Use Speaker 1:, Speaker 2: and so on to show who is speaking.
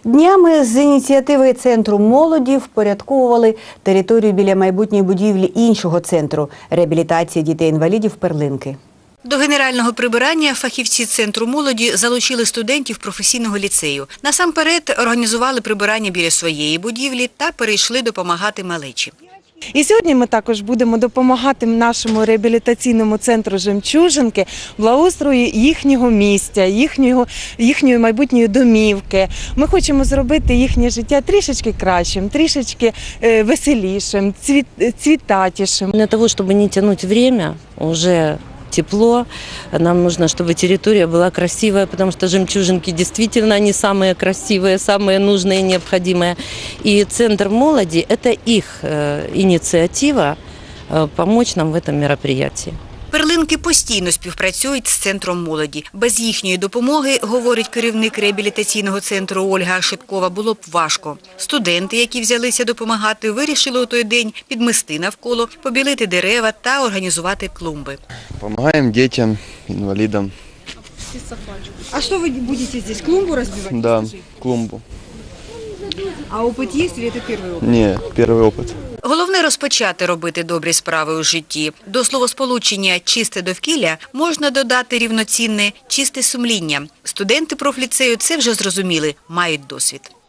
Speaker 1: Днями з ініціативи Центру молоді впорядковували територію біля майбутньої будівлі іншого центру – реабілітації дітей-інвалідів «Перлинки». До генерального прибирання фахівці Центру молоді залучили студентів професійного ліцею. Насамперед організували прибирання біля своєї будівлі та перейшли допомагати малечі.
Speaker 2: І сьогодні ми також будемо допомагати нашому реабілітаційному центру «Жемчужинки» благоустрою їхнього місця, їхньої майбутньої домівки. Ми хочемо зробити їхнє життя трішечки кращим, трішечки веселішим, цвітатішим.
Speaker 3: Для того, чтобы не тянуть время, уже тепло, нам нужно, чтобы территория была красивая, потому что жемчужинки действительно они самые красивые, самые нужные и необходимые. И Центр молоди – это их инициатива помочь нам в этом мероприятии.
Speaker 1: Перлинки постійно співпрацюють з Центром молоді. Без їхньої допомоги, говорить керівник реабілітаційного центру Ольга Шипкова, було б важко. Студенти, які взялися допомагати, вирішили у той день підмести навколо, побілити дерева та організувати клумби.
Speaker 4: Помогаем детям, инвалидам.
Speaker 5: А что вы будете здесь, клумбу разбивать?
Speaker 4: Да, клумбу.
Speaker 5: А опыт есть или это первый опыт?
Speaker 4: Не, первый опыт.
Speaker 1: Головне – розпочати робити добрі справи у житті. До словосполучення «чисте довкілля» можна додати рівноцінне «чисте сумління». Студенти профліцею це вже зрозуміли, мають досвід.